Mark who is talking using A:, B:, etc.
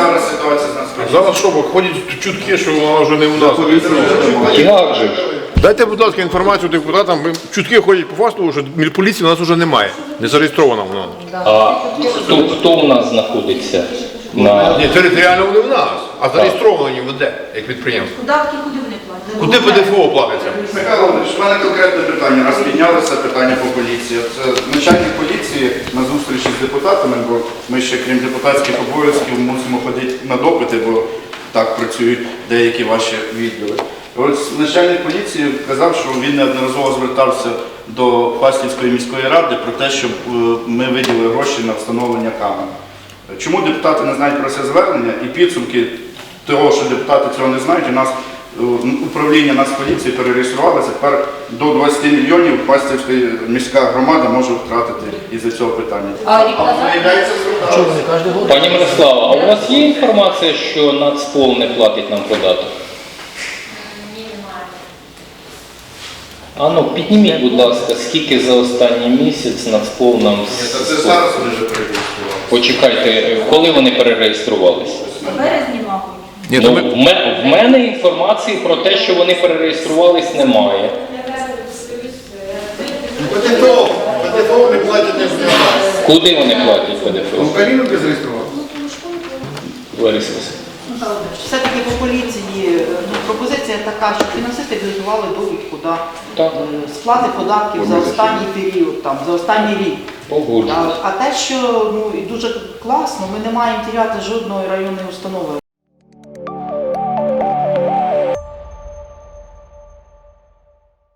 A: зараз ситуація з нас?
B: Зараз що, бо ходять чутки, що вона вже не у нас.
C: Як же ж?
B: Дайте, будь ласка, інформацію депутатам. Чутки ходять по факту, що поліції у нас вже немає. Не зареєстрована вона.
C: А хто у нас знаходиться?
B: Ні, територіально вони в нас, а зареєстровані в де, як підприємство.
D: Податки куди вони платять?
B: Куди ПДФО платиться?
A: Михайло Володимирович, в мене конкретне питання. Раз піднялося питання по поліції. Це начальник поліції на зустрічі з депутатами, бо ми ще, крім депутатських обов'язків, мусимо ходити на допити, бо так працюють деякі ваші відділи. Ось начальник поліції казав, що він неодноразово звертався до Фастівської міської ради про те, щоб ми виділили гроші на встановлення камер. Чому депутати не знають про це звернення і підсумки того, що депутати цього не знають, у нас управління Нацполіції перереєструвалося, тепер до 20 мільйонів Фастівська міська громада може втратити із-за цього питання. Виявляється, зверталися.
C: Пані Мирослава, а у вас є інформація, що Нацпол не платить нам податок?
D: Ні, немає.
C: А ну, підніміть, будь ласка, скільки за останній місяць Нацпол нам...
A: Це зараз вони вже перереєстрували.
C: Почекайте, коли вони перереєструвалися?
D: В березні, мабуть.
B: Ні,
C: Ну, в мене інформації про те, що вони перереєструвались, немає.
E: ПДФО не платять не в нас.
C: Куди вони платять ПДФО?
E: Україну не зареєстрували.
C: Лариса.
F: Все-таки по поліції пропозиція така, щоб фінансисти підготували довідку
C: Так.
F: сплати податків за останній період, там, за останній рік.
C: Погоджуюсь.
F: А те, що і дуже класно, ми не маємо теряти жодної районної установи